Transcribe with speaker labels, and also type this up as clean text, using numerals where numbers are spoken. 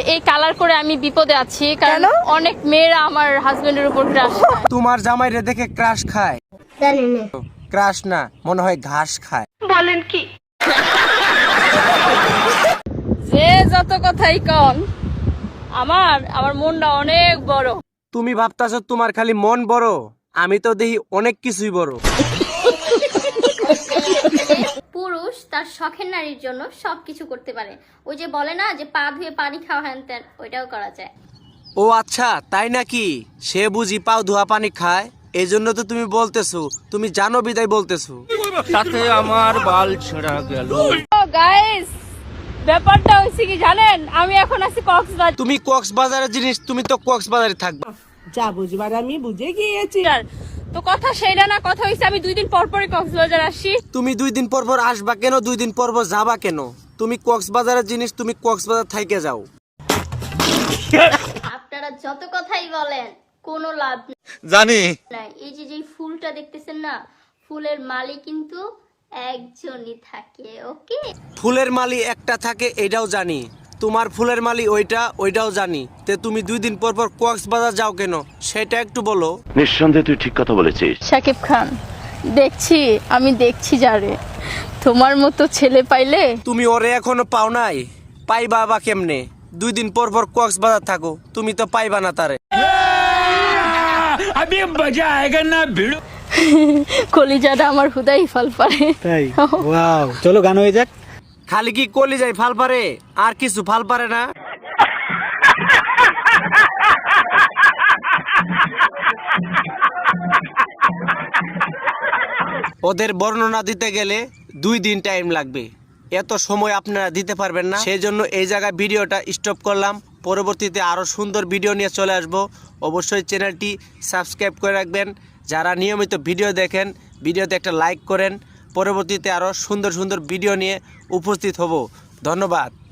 Speaker 1: এই কালার করে আমি বিপদে আছি, কারণ অনেক মেয়েরা আমার হাজবেন্ডের উপর ক্রাশ খায়।
Speaker 2: তোমার জামাইরে দেখে ক্রাশ খায়?
Speaker 3: জানি না।
Speaker 2: ক্রাশ না, মনে হয় ঘাস খায়।
Speaker 1: বলেন কি? যে যত কথাই কন, আমার মনটা অনেক বড়।
Speaker 2: তুমি ভাবতাছো তোমার খালি মন বড়, আমি তো দেখি অনেক কিছুই বড়।
Speaker 3: পুরুষ তার শখের নারীর জন্য সবকিছু করতে পারে। ওই যে বলে না যে পা ধুয়ে পানি খাওয়া হ্যান ত্যান, ওইটাও করা যায়।
Speaker 2: ও আচ্ছা, তাই নাকি? সে বুঝি পাও ধোয়া পানি খায়, এই জন্য তো তুমি বলতেছো, তুমি জানো বিদায় বলতেছো।
Speaker 4: সাথে আমার বাল ছেঁড়া গেল।
Speaker 1: গাইস, ব্যাপারটা হইছে কি জানেন, আমি এখন আছি কক্সবাজার।
Speaker 2: তুমি কক্সবাজারের জিনিস, তুমি তো কক্সবাজারে থাকবা।
Speaker 5: যা বুঝবার আমি বুঝে গিয়েছি।
Speaker 1: তো কথা সেইটা না, কথা হইছে আমি 2 দিন পর পরই কক্সবাজার আসি।
Speaker 2: তুমি 2 দিন পর পর আসবা কেন? 2 দিন পর পর যাবা কেন? তুমি কক্সবাজারের জিনিস, তুমি কক্সবাজার থাইকে যাও।
Speaker 3: আপনারা যত কথাই বলেন কোনো লাভ
Speaker 4: জানি
Speaker 3: নাই। এই যে ফুলটা দেখতেছেন না, ফুলের মালি কিন্তু একজনই থাকে। ওকে,
Speaker 2: ফুলের মালি একটা থাকে, এটাও জানি। তোমার ফুলের মালি ওইটাও জানি। তে তুমি 2 দিন পর পর কক্সবাজার যাও কেন, সেটা একটু বলো।
Speaker 6: নিঃসন্দেহে তুই ঠিক কথা বলেছিস।
Speaker 1: শাকিব খান, আমি দেখছি যারে, তোমার মতো ছেলে পাইলে।
Speaker 2: তুমি ওরে এখনো পাও নাই, পাইবা বা কেমনে? 2 দিন পর পর কক্সবাজার থাকো, তুমি তো পাইবা না তারে।
Speaker 4: আমি মজা আয়েগা না ভিড়।
Speaker 1: কলিজাটা আমার হুদাই ফাল পারে।
Speaker 7: তাই ওয়াও, চলো গান হয়ে যাক।
Speaker 2: খালি কি কলি যায় ফাল পারে, আর কিছু ফাল পারে না? ওদের বর্ণনা দিতে গেলে 2 দিন টাইম লাগবে, এত সময় আপনারা দিতে পারবেন না। সেই জন্য এই জায়গায় ভিডিওটা স্টপ করলাম। পরবর্তীতে আরো সুন্দর ভিডিও নিয়ে চলে আসবো। অবশ্যই চ্যানেলটি সাবস্ক্রাইব করে রাখবেন। যারা নিয়মিত ভিডিও দেখেন, ভিডিওতে একটা লাইক করেন। পরবর্তীতে আরো সুন্দর সুন্দর ভিডিও নিয়ে উপস্থিত হব। ধন্যবাদ।